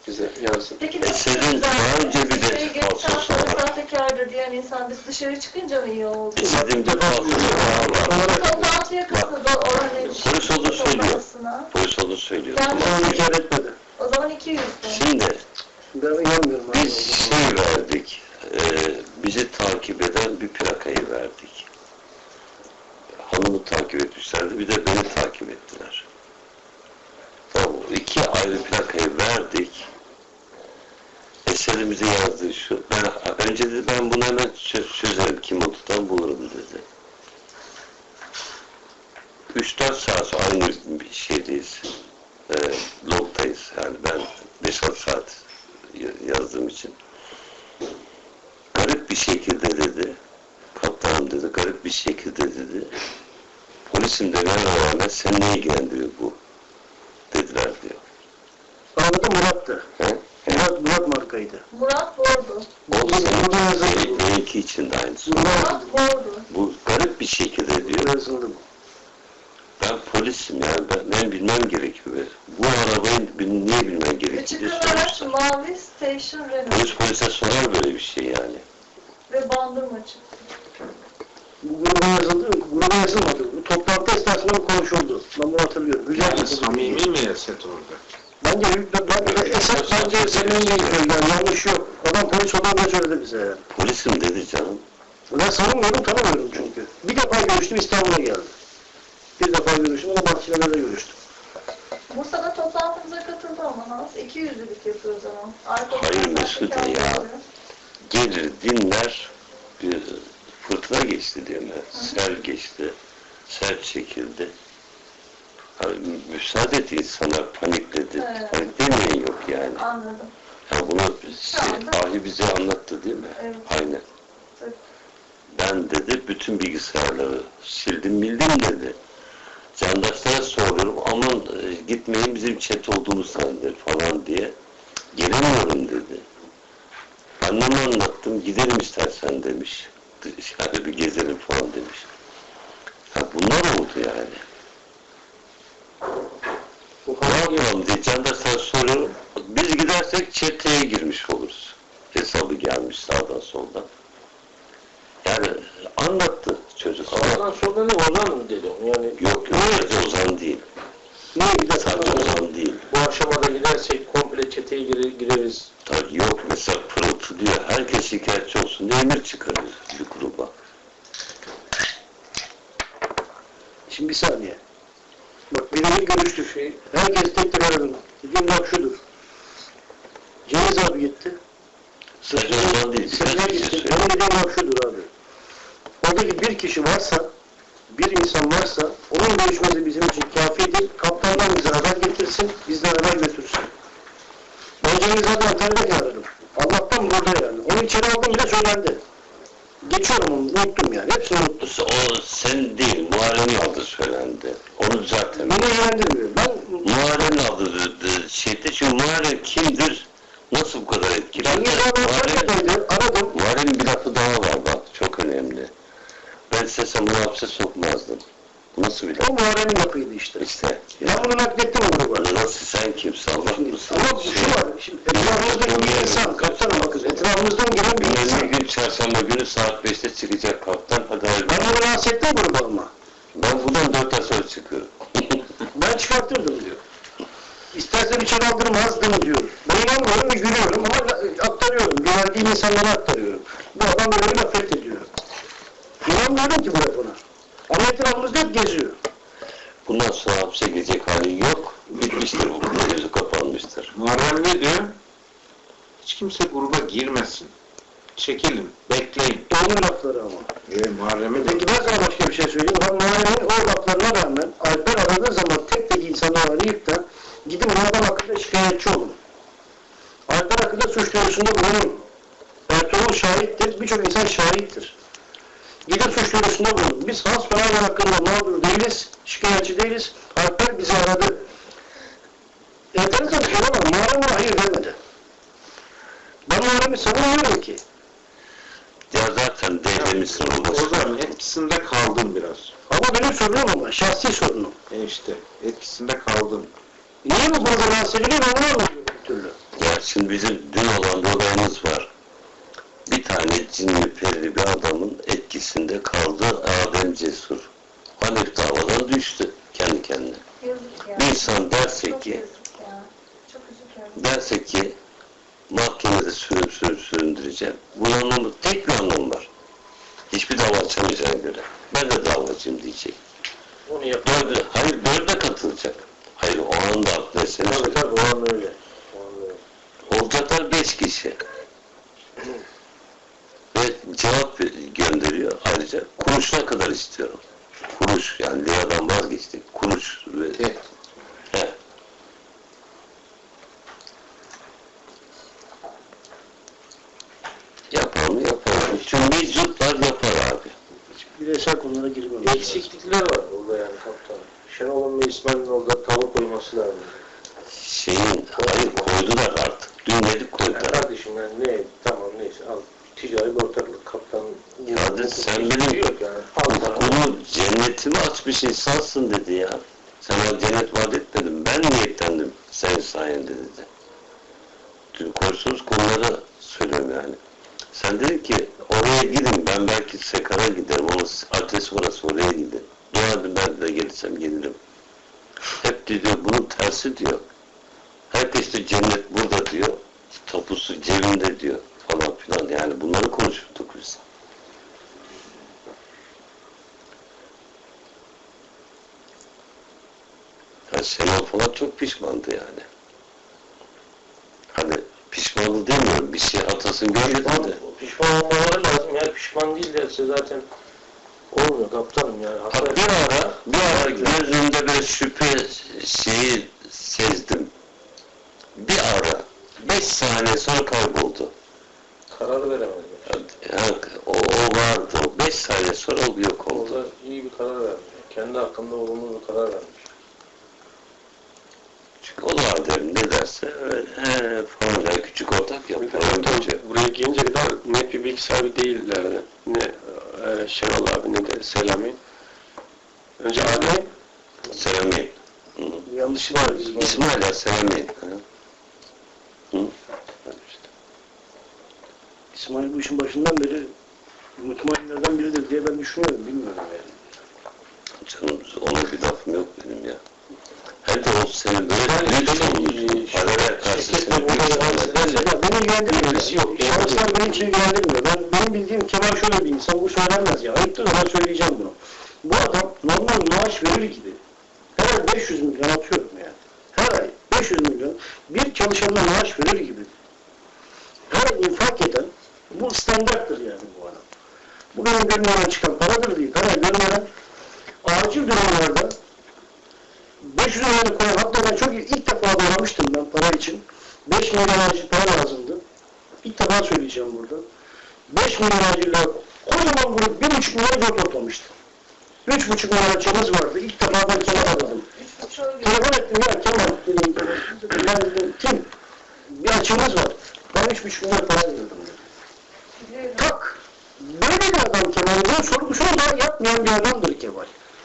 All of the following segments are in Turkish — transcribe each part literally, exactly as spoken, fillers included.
bize yazın. Peki E senin daha önce bir de falsosu var. Sahtekardır diyen insan biz dışarı çıkınca mı iyi oldu? E senin bir falsosu daha var. Toplantıya katıldı oranın Polis onu söylüyor. Polis onu söylüyor. Yani, İnkar etmedi. o zaman iki yüzde. Şimdi Ben inanmıyorum. biz şey verdik, e, bizi takip eden bir plakayı verdik. Hanımı takip etmişlerdi, bir de beni takip ettiler. Tamam, iki ayrı plakayı verdik. Eserimize yazdığı şu, ben, önce dedi ben bunu hemen çözerim, kim olduğundan bulurum dedi. üç dört saat sonra aynı bir şeydeyiz, e, logdayız, yani ben beş altı saat yazdığım için. Garip bir şekilde dedi, kaptanım dedi, garip bir şekilde dedi, polisim demeye rağmen seni ne ilgilendiriyor bu, dediler diyor. Anladım, Murat'tı. He? Murat, Murat markaydı. Murat Bordu. O senin, benimki için de aynısı. Murat Bordu. Bu garip bir şekilde diyor. Yazıldı bu. Ben polisim yani, ben, ben bilmem gerekiyor. Bu arabayı niye bilmem gerekiyor diye Açık araç sormuşlar. mavi station Renault. Polis polise sorar böyle bir şey yani. Ve bandırma çıktı. Bu gruba yazıldı, gruba yazılmadı. Bu toplantı esnasında bu konuşuldu. Ben bunu hatırlıyorum. Güzel Yani bir samimi mi Esat orada? Bence, ben, ben, esas bence senin iyi yani yanlış yok. Adam polis olduğunu söyledi bize yani. Polisim dedi canım. Ben sanmıyorum, tanımıyorum çünkü. Bir defa görüştüm, İstanbul'a geldi. Bir defa görüştüm, o da Bahçeli'de görüştüm. Bursa'da toplantımıza katıldı ama nasıl? iki yüzlülük yapıyoruz ama. Arka Hayır Mesut ya. Gelir dinler, bir fırtına geçti diyor ben. Sel geçti, sel çekildi. Hani müsaade et insanlar panikledi. Evet. Panik demeyen yok yani. Anladım. Ya bunu şey, Ahi bize anlattı değil mi? Evet. Aynen. Evet. Ben dedi bütün bilgisayarları sildim bildim dedi. Candaşlara soruyorum aman e, gitmeyin bizim chat olduğumuz zanneder falan diye. Gelemiyorum dedi. Anneme anlattım gidelim istersen demiş. Dışarıda bir gezelim falan demiş. Ha bunlar oldu yani. Ne yapalım diye Candaşlara soruyorum. Biz gidersek chat'e girmiş oluruz. Hesabı gelmiş sağdan soldan. Yani anlattı çocuk. Ondan sonra ne Ozan mı dedi onu yani? Yok yok sadece Ozan değil. Niye bir de Sadece Ozan değil. Bu aşamada gidersek komple çeteye gire, gireriz. Tabii yok mesela pırıltı diyor. Herkes şikayetçi olsun diye emir çıkarır bir gruba. Şimdi bir saniye. Bak birebir görüştük şey. Herkes tek tek aradım. Dediğim bak şudur. Cengiz abi gitti. Sadece Ozan değil. Seninle Birkaç kişi gitti. söylüyor. Benim dediğim bak şudur abi. Oradaki bir kişi varsa, bir insan varsa, onun görüşmesi bizim için kafidir. Kaptandan bize haber getirsin, bizden haber götürsün. Ben Cengiz abi Antalya'da aradım. Allah'tan burada yani. Onu içeri aldım bile söylendi. Geçiyorum onu, unuttum yani. Hepsini unuttum. O sen değil, Muharrem'in adı söylendi. Onu zaten. Beni ilgilendirmiyor. Ben Muharrem'in adı şeyde çünkü Muharrem kimdir? Nasıl bu kadar etkili? Cengiz abi Antalya'daydı. Aradım. Muharrem'in bir lafı daha var bak, çok önemli. Ben istesem bunu hapse sokmazdım. Nasıl bir laf? O Muharrem'in lafıydı işte. İşte. Ben bunu naklettim o gruba. Nasıl sen kimsin Allah mısın? Ama şu var, şimdi etrafımızdan bir insan, kaptanım bakın, etrafımızdan gelen bir insan. Bir gün çarşamba günü saat beşte çıkacak kaptan, hadi hayırlı. Ben onu rahatsız ettim gruba ama. Ben buradan dört ay sonra çıkıyorum. Ben çıkartırdım diyor. İstersen içeri aldırmazdım diyor. Ben inanmıyorum ve gülüyorum ama aktarıyorum. Güvendiğim insanlara aktarıyorum. Bu adam böyle bir laf ediyor. İnanmıyorum ki bu lafına. Ama etrafımızda hep geziyor. Bundan sonra hapse girecek hali yok. Bitmiştir bu konu, yüzü kapanmıştır. Muharrem ne diyor? Hiç kimse gruba girmesin. Çekilin, bekleyin. Doğru lafları ama. E, Muharrem'e de Peki ben sana başka bir şey söyleyeyim. Ben Muharrem'in o laflarına rağmen Alper aradığı zaman tek tek insanları arayıp da gidin bu adam hakkında şikayetçi olun. Alper hakkında suç duyurusunda bulunun. Ertuğrul şahittir, birçok insan şahittir. Gidin suç duyurusunda bulunun. Biz Hans Fener'in hakkında mağdur değiliz, şikayetçi değiliz. Alper bizi aradı. Enteresan bir şey ama Muharrem'e hayır demedi. Ben Muharrem'i savunmuyorum ki. Ya zaten devlemişsin olması. o zaman etkisinde kaldın biraz. Ama benim sorunum ama, şahsi sorunum. E işte, etkisinde kaldın. Niye bu grubu rahatsız ediliyor, onu anlamıyorum bir türlü. Ya şimdi bizim dün olan bir olayımız var. Bir tane cinli perili bir adamın etkisinde kaldı Adem Cesur. Halef davadan düştü kendi kendine. Yazık ya. Bir insan derse Çok ki, yazık ya. Çok üzücü. derse ki mahkemede sürüp sürüp süründüreceğim. Bunun anlamı, tek bir anlamı var. Hiçbir dava açamayacağına göre. Ben de davacıyım diyecek. Onu yapar. Dördü, hayır dörde katılacak. Hayır o anda mesele. Tabii tabii o an öyle. O an öyle. Olacaklar beş kişi. Ve cevap gönderiyor ayrıca. Kuruşuna kadar istiyorum. Kuruş yani liradan vazgeçtik. Kuruş ve Evet. he. Yapar mı yapar. Tüm meclutlar yapar abi. Bireysel konulara girmem. Eksiklikler var burada yani kaptan. Şenol'un ve İsmail'in orada tavır koyması lazım. Şeyin, hayır koydular artık. Dün dedik koydular. Yani kardeşim yani ne, tamam neyse al. Ticari bir ortaklık kaptan. Hadi sen benim yok yani. Al sana. okulu cennetimi açmış insansın dedi ya. Sana cennet vaat etmedim. Ben niyetlendim senin sayende dedi. Dün konuştuğumuz konuları söylüyorum yani. Sen dedin ki oraya gidin ben belki Sekar'a giderim. Onun adresi orası oraya gidin. Dua edin ben de gelirsem gelirim. Hep diyor bunun tersi diyor. Herkes de cennet burada diyor. Tapusu cebinde diyor falan filan. Yani bunları konuşurduk biz. Yani Şenol falan çok pişmandı yani. Hani pişmanlığı demiyorum. Bir şey hatasını görmedi de. Pişman olmaları lazım. Yani pişman değil derse zaten olmuyor kaptanım yani. Bak bir ara, bir ara gözümde bir şüphe şeyi sezdim. Bir ara, beş saniye sonra kayboldu. Karar veremedi. Yani o, o vardı. Beş saniye sonra o yok oldu. Orada iyi bir karar vermiş. Kendi hakkında olumlu bir karar vermiş. Çünkü o da derim ne derse öyle he, falan yani küçük ortak yapıyor. Buraya gelince kadar net bir bilgi sahibi değillerdi. Ne e, Şenol abi ne de Selami. Önce Adem, Selami. Hı. Yanlışı var. İsmail ya Selami. Hı. İsmail bu işin başından beri mutmainlerden biridir diye ben düşünüyorum. Bilmiyorum yani. Canım ona bir lafım yok benim ya. Hem de o senin böyle büyük sorumluluğun. Paralel karşısında büyük sorumluluğun. Beni ilgilendirmiyor. Yok. Şahıslar beni hiç ilgilendirmiyor. Ben, benim bildiğim Kemal şöyle bir insan. Bu söylenmez ya. Ayıptır ama söyleyeceğim bunu. Bu adam normal maaş verir gibi. Her ay beş yüz milyon atıyorum yani. Her ay beş yüz milyon bir çalışanına maaş verir gibi. Her ay infak eden bu standarttır yani bu adam. Bu benim gönlümden çıkan paradır değil. Her ay gönlümden acil durumlarda beş yüz milyonu koyan, hatta ben çok ilk defa aramıştım ben para için. beş milyon acil para lazımdı. İlk defa söyleyeceğim burada. beş milyon acil lira, kocaman grup bir buçuk milyon zor toplamıştı. üç buçuk milyon açığımız vardı. İlk defa ben Kemal aradım. Telefon ettim ya Kemal dedim. Ben dedim kim? Bir açığımız var. Ben üç buçuk milyon para verdim dedim. Tak! Böyle bir adam Kemal. Ben sorgusunu da yapmayan bir adamdır Kemal.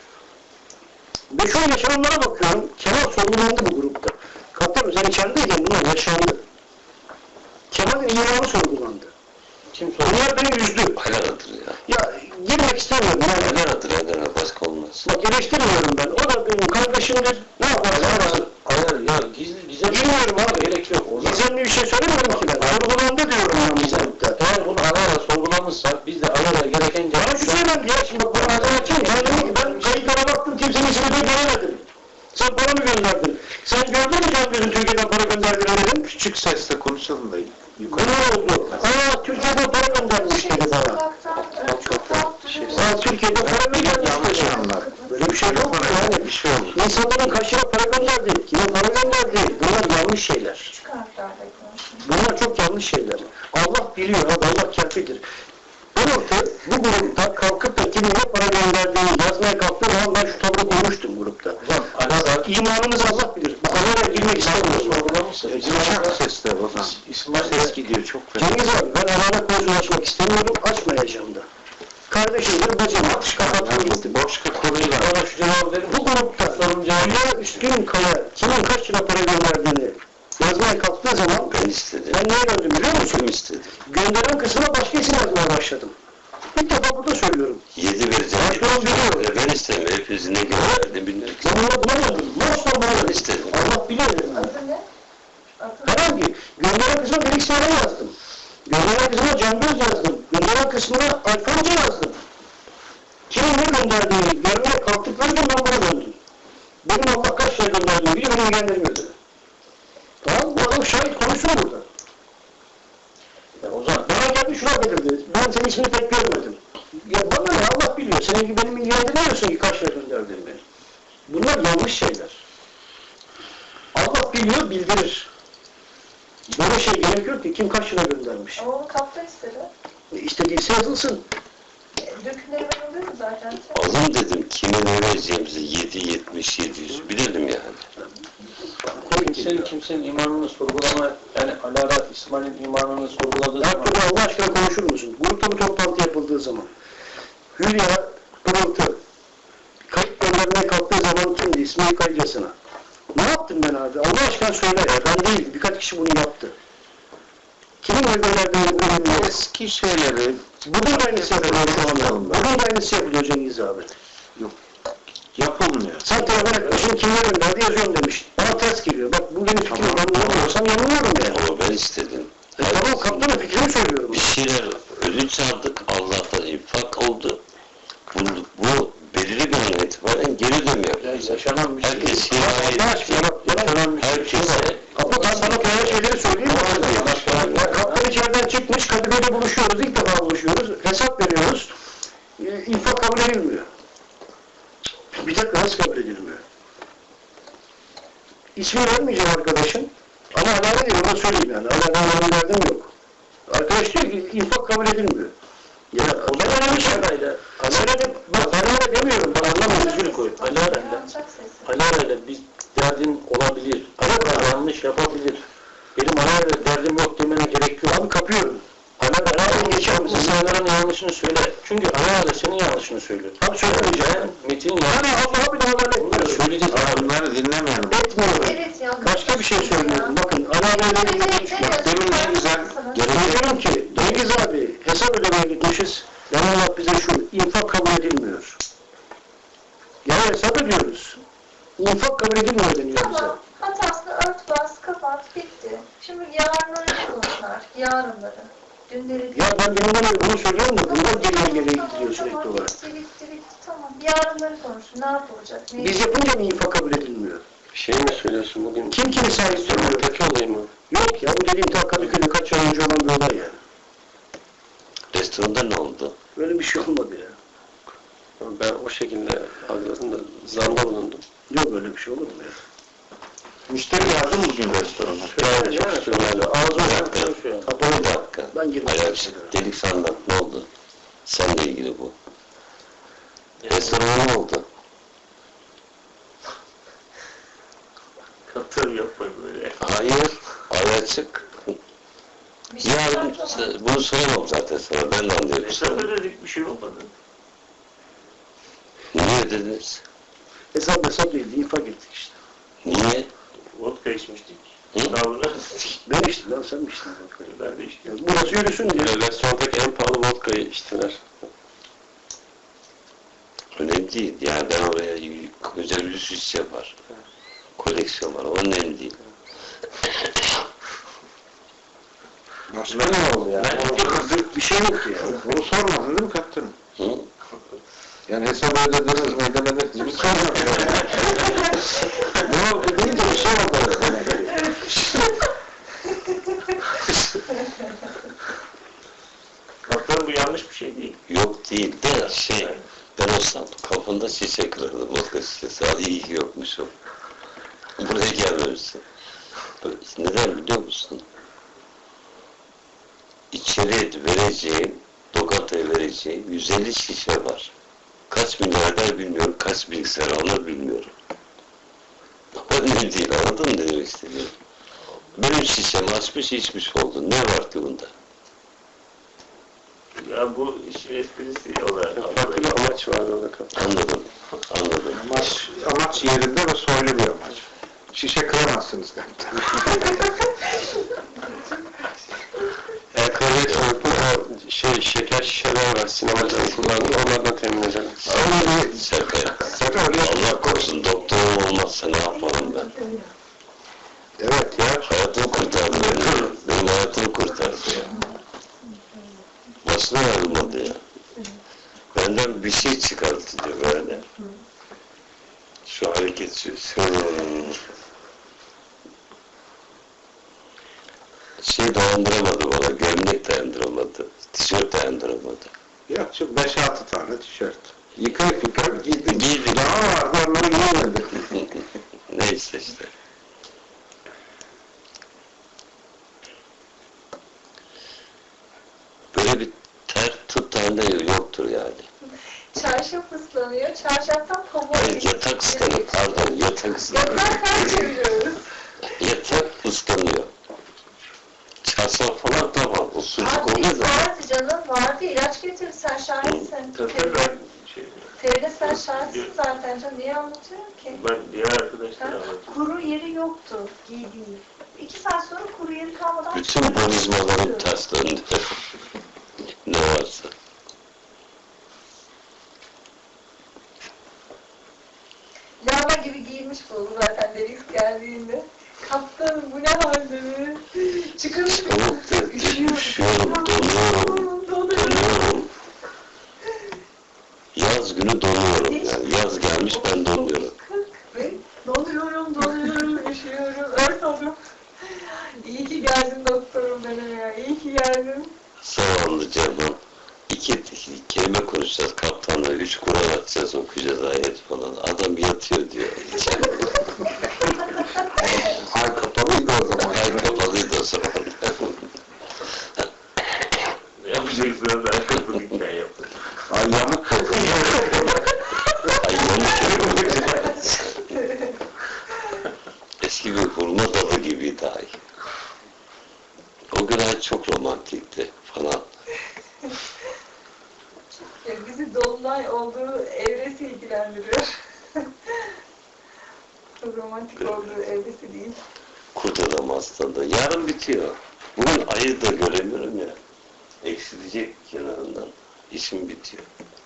Beş on yaşananlara bakıyorum, Kemal sorgulandı bu grupta. Kaptanım sen içerideyken bunlar yaşandı. Kemal'in imanı sorgulandı. Kim sorgulandı? Bunlar beni üzdü. Helaladır ya. Ya girmek istemiyorum. Yani. Helaladır helaladır. Başka olmaz. Bak eleştirmiyorum ben. O da benim kardeşimdir. Ne yaparsa arasın. Hayır ya gizli gizem Bilmiyorum abi. gerek yok. O zaman Gizemli bir şey söylemiyorum ki ben. Sorgulandı diyorum ben bu grupta. eğer bunu ara ara sorgulanırsa biz de ara ara gerekince Bana şu söylendi ya, şimdi bak bana adam açayım. Ben dedim ki ben kayıtlara baktım, kimsenin ismini de göremedim. Sen para mı gönderdin? Sen gördün mü Can Göz'ün Türkiye'den para gönderdiğini dedim. Küçük sesle konuşalım da Ne yukarı. oldu? Aa Türkiye'den para göndermiş dedi bana. Sokaktan, çok tatlı. Aa Türkiye'den para mı göndermiş Yanlış dedi. anlar. Böyle bir şey yok mu yani? Bir şey olur. İnsanların kaşına para gönderdi, kime para gönderdi. Bunlar yanlış şeyler. Küçük harflerle konuşuyor. Bunlar çok yanlış şeyler. Allah biliyor abi, Allah kâfidir. Grupta, bu grupta kalkıp da kimin ne para gönderdiğini yazmaya kalktığım zaman ben şu tavrı koymuştum grupta. ara İmanımız Allah bilir. Bu konuya girmek istemiyorum. sorgulanırsa Küçük sesle o zaman. İsmail Ses gidiyor çok fena. Cengiz abi ben alana konusu açmak istemiyorum, açmayacağım da. Kardeşimdir, bacım atış kapattım gitti. Başka konuyla. bana şu cevabı verin. Bu grupta Hülya Üstün Kaya kimin kaç lira para gönderdiğini yazmaya kalktığı zaman Ben istedim. ben neye döndüm biliyor musun? Kim istedi? Gönderen kısmına başka isim yazmaya başladım. İlk defa burada söylüyorum. Yedi vereceğim. Başkanım biliyor. Ben istedim. Hepinizi ne gönderdim bilmiyorum. Ben buna bulamadım. Mostar Ben bulamadım. istedim. Allah biliyor dedim. Adı ne? Adı ne? Herhangi. Gönderen kısmına Melik Seyran yazdım. Gönderen kısmına Can Göz yazdım. Gönderen kısmına Alfonso yazdım. Kimin ne gönderdiğini görmeye kalktıkları gün ben buna döndüm. Benim Allah kaç şey gönderdiğimi biliyor, beni ilgilendirmiyor dedi. Tamam mı? Bu adam şahit konuşsun burada. Ya o zaman Bana geldi şuna belirdi. Ben senin ismini pek görmedim. Ya bana ne Allah biliyor. Senin gibi benim ilgilendirmiyorsun ki kaç şey gönderdiğimi. Bunlar yanlış şeyler. Allah biliyor, bildirir. Böyle şey gerekiyor ki kim kaç lira göndermiş. Ama onu kaptan istedi. E, İstediyse yazılsın. E, Dökümleri ben alıyorum zaten. Alın dedim. Kime ne vereceğimizi yedi, yetmiş, yedi yüz bilelim yani. kimsenin kimsenin imanını sorgulama, yani Alara İsmail'in imanını sorguladığı Ya zaman Turgay Allah aşkına konuşur musun? Grupta bir toplantı yapıldığı zaman. Hülya, Pırıltı, kayıt göndermeye kalktığı zaman kimdi? İsmail Kayıcasına. Ne yaptım ben abi? Allah aşkına söyle ya. Ben değil. Birkaç kişi bunu yaptı. Kimin ne gönderdiğini bilmiyorum. Eski şeyleri Bugün de aynısı yapılıyor şu anda. Bugün de aynısı yapılıyor Cengiz abi. yapılmıyor. Sen telefon etmişsin, kimler gönderdi yazıyorum demiş. Bana ters geliyor. Bak bu benim fikrim. Ben yanılmıyorsam yanılıyorum yani. Ama ben istedim. E tamam kaptanın fikrimi söylüyorum. Bir şeyler ödünç aldık. Allah'tan infak oldu. Bu, bu belirli bir an itibaren geri dönme ya yapacağız. yaşanan bir şey. Herkes Allah himayet aşkına bak. Yaşanan bir şey. herkese Ama ben sana kolay şeyleri söyleyeyim mi? Ya kaptan içeriden çıkmış, Kadıköy'de buluşuyoruz, ilk defa buluşuyoruz, hesap veriyoruz, e, infak kabul edilmiyor. Bir dakika nasıl kabul edilmiyor? İsmi vermeyeceğim arkadaşın, ama alâle değil, ona söyleyeyim yani, alâle derdim yok. Arkadaş diyor ki, infak kabul edilmiyor. Ya o da önemli şey. Alâle bak alâle demiyorum, ben anlamadım, üzülü koy. Alara'yla Yanacak sesi. Alara'yla bir derdin olabilir. Alara yanlış yapabilir. Benim Alara'yla derdim yok demene gerek yok. Abi kapıyorum. Alara geçer misin? İnsanların yanlışını söyle. Çünkü Alara senin yanlışını söylüyor. Abi söylemeyeceğim. Ben Metin Yani yanlış. Allah'a bir daha haber Bunları etmiyorum. söyleyeceğiz. Ama bunları dinlemeyelim. Etmiyorum. Evet ya. Başka bir şey söylüyorum. Bakın alâleyle ilgili konuşma. demin ne güzel Diyorum ki, Cengiz abi hesap ödemeye gitmişiz. Yani Allah bize şu, infak kabul edilmiyor. Yani hesap ödüyoruz. İnfak kabul edilmiyor deniyor bize. Tamam. Hatasını ört bas, kapat, bitti. Şimdi yarınları konuşun artık. Yarınları. Dünleri değil. Ya ben deminden beri bunu söylüyorum da bundan geriye geriye Tamam, gidiyor sürekli tamam, olarak. bitti, bitti, bitti. Tamam. Yarınları konuşun. Ne yapılacak? Ne Biz yapınca mı infak kabul edilmiyor? Bir şey mi söylüyorsun bugün? Kim kimi sahip söylüyor? Sokak'taki olay mı? Yok ya bu dediğim ta Kadıköy'de kaç ay önce olan bir olay yani. restoranda ne oldu? Böyle bir şey olmadı ya. Ben o şekilde algıladım da zanda bulundum. Yok böyle bir şey olur mu ya? müşteri yazdı mı bugün restorana? Yani çok sürmeli. Ağzı Bir olan dakika. konuşuyor. Bir dakika. Ben girmek Hayal, istedim. delik sandan ne oldu? Seninle ilgili bu. Restorana ne oldu? Katır yapma böyle. Hayır. Ay açık. Bir şey Yani var mı? bunu söylemem zaten sana. Ben de anlıyorum. Hesap ödedik bir şey olmadı. Niye dediniz? Hesap hesap değildi, infak ettik işte. Niye? Vodka içmiştik. Hı? Davranı. Ben içtim lan, sen mi içtin? Ben de içtim. Ya burası yürüsün diye. Restorandaki en pahalı vodkayı içtiler. Önemli değil. Yani ben oraya özel bir süs yapar. Koleksiyon var. O önemli değil. Başka ne oldu ya? Bir, bir şey yok ki ya. Bunu sormadın değil mi kaptanım? Hı? Yani hesap ödediniz mi ödemediniz mi sormadın. Ne oldu deyince bir şey oldu. Kaptanım bu yanlış bir şey değil. Yok değil de şey, ben olsam kafanda şişe kırardım. Vodka şişesi. Hadi iyi ki yokmuşum. Buraya gelmemişsin. Neden biliyor musun? İçeri vereceğim, lokantaya vereceğim yüz elli şişe var. Kaç milyarder bilmiyorum, kaç bilgisayar alır bilmiyorum. Önemli değil, anladın mı ne demek istediğimi? Benim şişemi açmış, içmiş oldu. Ne var ki bunda? Ya bu işin esprisi olarak. Farklı bir amaç var orada kaptan. Anladım, anladım. Amaç, amaç yerinde ve soylu bir amaç. Şişe kıramazsınız dedim. Eğer kahve soğutma o şey, şeker şişeler var sinemacıların kullandığı onlardan temin edelim. Öyle bir Sefer. sefer öyle Allah korusun doktorum olmazsa ne yaparım ben? Evet ya. Hayatımı kurtardı benim. Benim hayatımı kurtardı. Başına ayrılmadı ya. Benden bir şey çıkarttı diyor böyle. Şu hareket şu. Şöyle. Şey dayandıramadı bana. Gömlek dayandıramadı. Tişört dayandıramadı. Yok şu beş altı tane tişört. Yıkayıp yıkayıp giydim. Giydim. Daha vardı onları giyemedim. Neyse işte. Böyle bir ter tut tane yoktur yani. Çarşaf ıslanıyor. Çarşaftan pamuğa Hayır geçiyor. yatak ıslanıyor. Pardon yatak ıslanıyor. Yatağı ters çeviriyoruz. Yatak ıslanıyor. Çarşaf falan tamam. O sucuk Abi oluyor da. vardı canım vardı. İlaç getirdi. Sen şahitsin. Feride, Şey, Feride sen şahitsin zaten canım. Niye anlatıyorum ki? ben diğer arkadaşlar Ha? anlatıyorum. Kuru yeri yoktu giydiği. İki saat sonra kuru yeri kalmadan Bütün bonizmalarım ters döndü. Ne varsa. Lama gibi giymiş bu zaten Deniz geldiğinde. Kaptanım bu ne hal dedi. Çıkın. Çıkamık dedi. Üşüyorum, donuyorum. Donuyorum. Yaz günü donuyorum yani. Yaz gelmiş ben donuyorum. Ve donuyorum, donuyorum, üşüyorum, ört oldum. İyi ki geldin doktorum benim ya, iyi ki geldin. Zavallı canım. İki, iki kelime konuşacağız kaptanla. Üç Kur'an atacağız, okuyacağız ayet falan. Adam yatıyor diyor. Ay kapalıydı o zaman. Ay kapalıydı o zaman. Ne yapacaksınız? Ben kapı hikaye yaptım. Ay yamuk oldu. Ay yanlış Eski bir hurma dalı gibiydi ay. O gün ay çok romantikti falan. Ya bizi dolunay olduğu evresi ilgilendiriyor. Çok romantik olduğu evresi değil. Kurt adam aslında. Yarın bitiyor. Bugün ayı da göremiyorum ya. Eksilecek kenarından. İşim bitiyor.